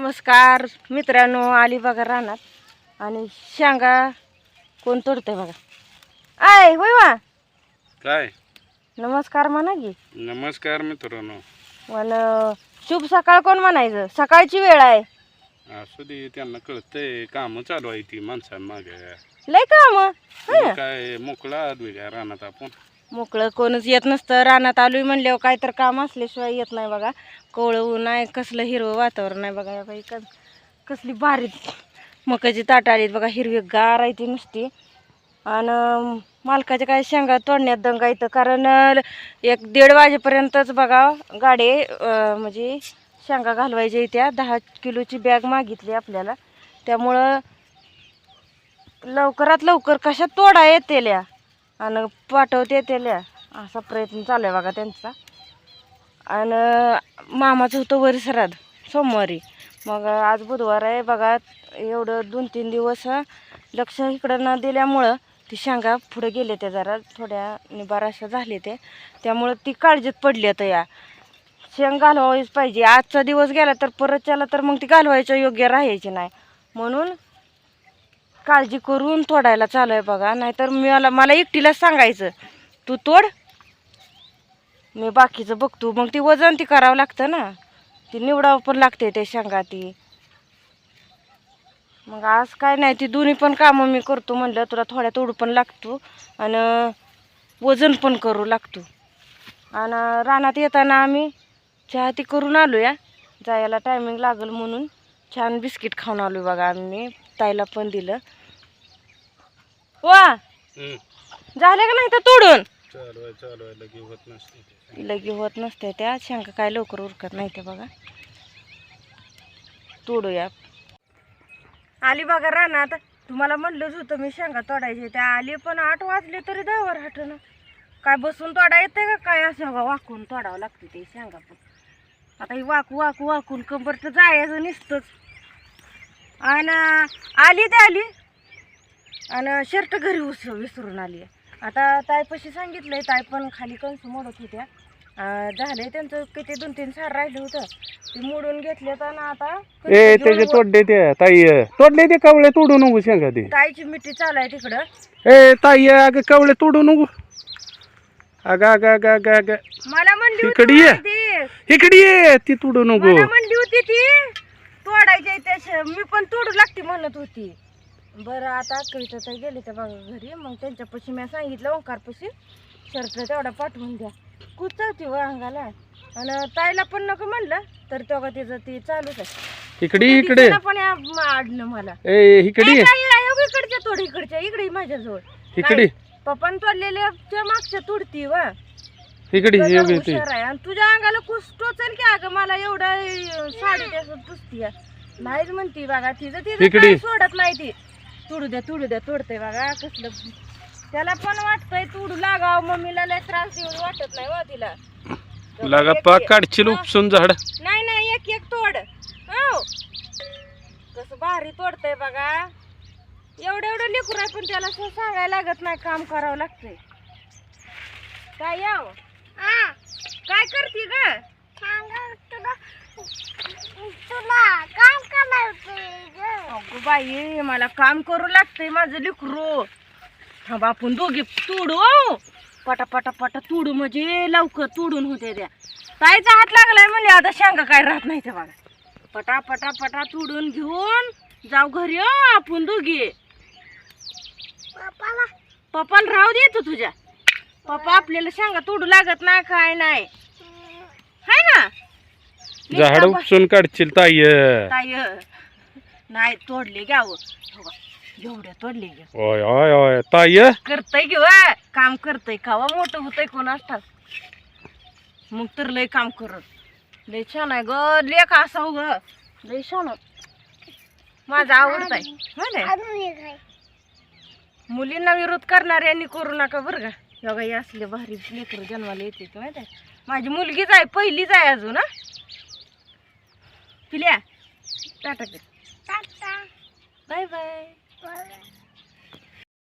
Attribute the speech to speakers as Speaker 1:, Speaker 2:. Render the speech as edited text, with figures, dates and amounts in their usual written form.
Speaker 1: नमस्कार मित्रांनो, आली बघा रानात आणि शेंगा कोण तोडतंय बघा. आय होय वा
Speaker 2: काय
Speaker 1: नमस्कार म्हणा की.
Speaker 2: नमस्कार मित्रांनो.
Speaker 1: मला शुभ सकाळ कोण म्हणायचं, सकाळची वेळ आहे.
Speaker 2: असू दे, त्यांना कळतंय काम चालू आहे ती माणसांमागे.
Speaker 1: लय काम
Speaker 2: काय मोकळा काय रानात आपण.
Speaker 1: मोकळं कोणच येत नसतं. रानात आलोय म्हणल्यावर काय तर काम असल्याशिवाय येत नाही बघा. कोवळं ऊन आहे, कसलं हिरवं वातावरण आहे बघा. बाई कसली भारी मकाची ताट आलीत बघा, हिरवी गार आहे ती नुसती. आणि मालकाच्या काय शेंगा तोडण्यात दंगा येतं, कारण 1-1:30 वाजेपर्यंतच बघा गाडी म्हणजे शेंगा घालवायच्या त्या 10 किलोची बॅग मागितली आपल्याला. त्यामुळं लवकरात लवकर कशा तोडा येतेल्या आणि पाठवते त्याला, असा प्रयत्न चालू आहे बघा त्यांचा. आणि मामाचं होतं वरी श्राद्ध सोमवारी, मग आज बुधवार आहे बघा. एवढं 2-3 दिवस लक्ष इकडं न दिल्यामुळं ती शेंगा पुढे गेले ते, जरा थोड्या निबार अशा झाले ते. त्यामुळं ती काळजीत पडली आता. या शेंग घालवायच पाहिजे. आजचा दिवस गेला तर परत त्याला तर मग ती घालवायच्या योग्य राहायची नाही, म्हणून काळजी करून तोडायला चालू आहे बघा. नाहीतर मला एकटीलाच सांगायचं तू तोड, मी बाकीचं बघतो. मग ती वजन ती करावं लागतं ना, ती निवडावं पण लागते ते शेंगा ती. मग आज काय नाही, ती दोन्ही पण कामं मी करतो म्हणलं. तुला थोड्या तोडू पण लागतो आणि वजन पण करू लागतो. आणि रानात येताना आम्ही चहा ती करून आलो या, जायला टायमिंग लागेल म्हणून छान बिस्किट खाऊन आलो बघा. आम्ही ताईला पण दिलं. वा झाले का नाही तर तोडून लगी होत नसते त्या शेंगा, काय लवकर उरकत नाही ते बघा. तोडूया. आली बघा रानात. तुम्हाला म्हणलंच होतं मी शेंगा तोडायचे त्या. आली पण 8 वाजले तरी दहावर हटणं. काय बसून तोडा येते का काय, असं वाकून तोडावं लागते ते शेंगा पण. आता ही वाकून कंबर तर जायचं नुसतंच. आणि आली ते आली आणि शर्ट घरी विसरून आली. आता ताईपाशी सांगितलंय, ताई पण खाली कंस मोडत होत्या. झालंय त्यांचं किती 2-3 सार राहिलं होतं, ते मोडून घेतलेत. आणि आता
Speaker 2: त्याचे तोडले ते ताई, तोडले ते कवळे तोडू नको शेंगा. ते
Speaker 1: ताईची मिठी चालू आहे तिकडं.
Speaker 2: ताई अगं कवळे तोडू नको. अगं
Speaker 1: मला म्हणली
Speaker 2: इकडे ये, ती तोडू नको.
Speaker 1: मला म्हणली होती ती तोडायची त्या, मी पण तोडू लागते म्हणत होती. बरं आता कविता ताई गेले त्या बघा घरी, मग त्यांच्यापाशी मी सांगितलं ओंकारपाशी शर्ट तेवढा पाठवून द्या. कुचवती व अंगाला. आणि ताईला पण नको म्हणलं तर तेव्हा तिचं ती चालूच आहे. इकडे पण आडलं मला. इकडच्या तोड, इकडे माझ्याजवळ इकडे पप्पान तोडलेल्या मागच्या तोडती व इकडे हुशार आहे. आणि तुझ्या अंगाला कुस टोचल की अगं, मला एवढं साडी त्याचं पुसती नाहीच म्हणती बघा. तिचं सोडत नाही ती. तोडू द्या तोडते बघा. कसलं त्याला पण वाटतंय तोडू लागाव, मम्मीला लय त्रास देऊन वाटत नाही व तिला.
Speaker 2: लागा पाक काढशील उपसून झाड.
Speaker 1: नाही एक तोड. हो कसं भारी तोडतंय बघा. एवढं लेकरू आहे पण त्याला सांगायला लागत नाही, काम करावं लागतंय. काय याव काय करते ग? अगो बाई, मला काम करू लागतंय माझं लेकरू. हा बापून दोघी तोडू पटा तोडू, म्हणजे लवकर तोडून होते त्या. ताईचा हात लागलाय म्हणजे आता शेंगा काय राहत नाही ते बघा. पटा तोडून घेऊन जाऊ घरी आपण दोघी. पप्पाला राहू दे तू तुझ्या. पप्पा आपल्याला शेंगा तोडू लागत नाही, काय नाही हाय ना.
Speaker 2: झाड उपसून काढशील ताई.
Speaker 1: नाही तोडले घ्याव, एवढ्या तोडले घ्या.
Speaker 2: ओय ताई
Speaker 1: करतय घेऊ, काम करतय. खावा मोठं होतंय कोणास ठाऊक. मग तर लय काम करत. लय छान आहे ग लेख असा हो ग, लय छान. माझा आवडत आहे. मुलींना विरोध करणाऱ्यांनी करू नका बरं का. बघा हे असले भारी लेकरं जन्माला येते माहिती आहे. माझी मुलगीच आहे, पहिलीच आहे अजून. पिल्या टाटा बाय बाय.